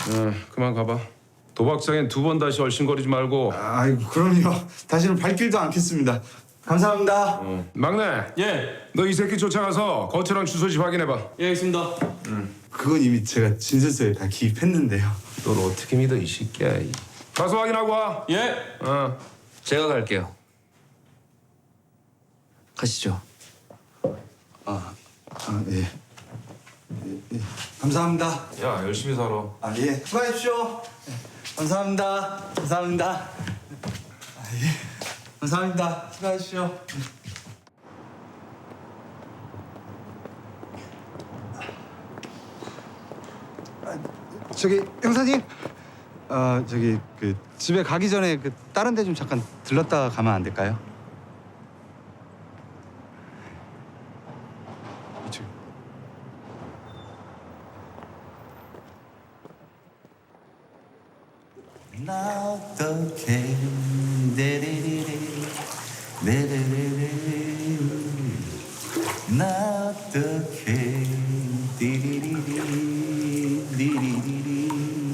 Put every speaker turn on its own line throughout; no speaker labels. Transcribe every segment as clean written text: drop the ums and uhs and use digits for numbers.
그만 가봐. 도박장엔 두 번 다시 얼씬거리지 말고.
아이고 그럼요. 다시는 발길도 않겠습니다. 감사합니다.
막내,
예,
너 이 새끼 쫓아가서 거처랑 주소지 확인해봐.
예, 알겠습니다.
그건 이미 제가 진술서에 다 기입했는데요.
널 어떻게 믿어 이 새끼야. 가서 확인하고 와.
예.
제가 갈게요. 가시죠.
예. 예. 감사합니다.
야, 열심히 살아.
예. 수고하십시오. 예. 감사합니다. 감사합니다. 예. 감사합니다. 수고하십시오. 저기 형사님, 저기 그 집에 가기 전에 그 다른 데 좀 잠깐 들렀다 가면 안 될까요? 이쪽.
나 어떡해 데리리리 데리리리 나 어떡해 디리리리 디리리리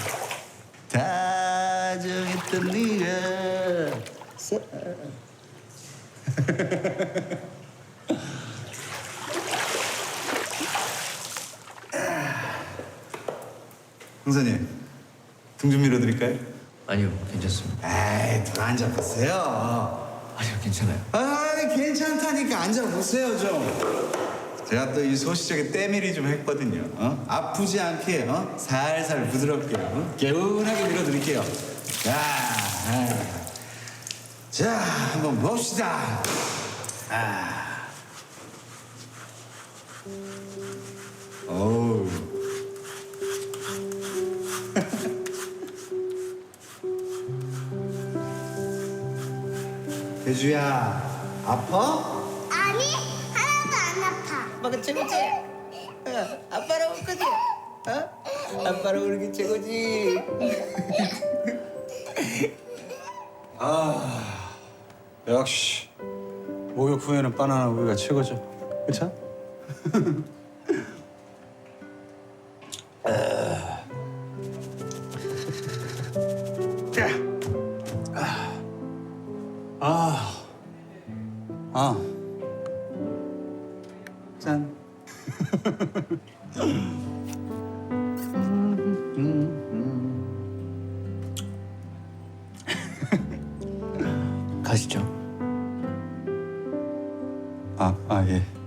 다 정했던 네가
형사님, 등 좀 밀어드릴까요?
아니요, 괜찮습니다.
에이, 더 앉아보세요.
아니요, 괜찮아요.
괜찮다니까 앉아보세요 좀. 제가 또 이 소시적에 때밀이 좀 했거든요. 아프지 않게 살살 부드럽게 개운하게 밀어드릴게요. 자, 한번 봅시다. 어우. 대주야, 아파?
아니, 하나도 안 아파.
아빠가 최고지? 아빠랑 올 거지? 아빠랑 오는 게 최고지?
역시 목욕 후에는 바나나 우유가 최고죠. 그쵸? 짠.
가시죠.
예.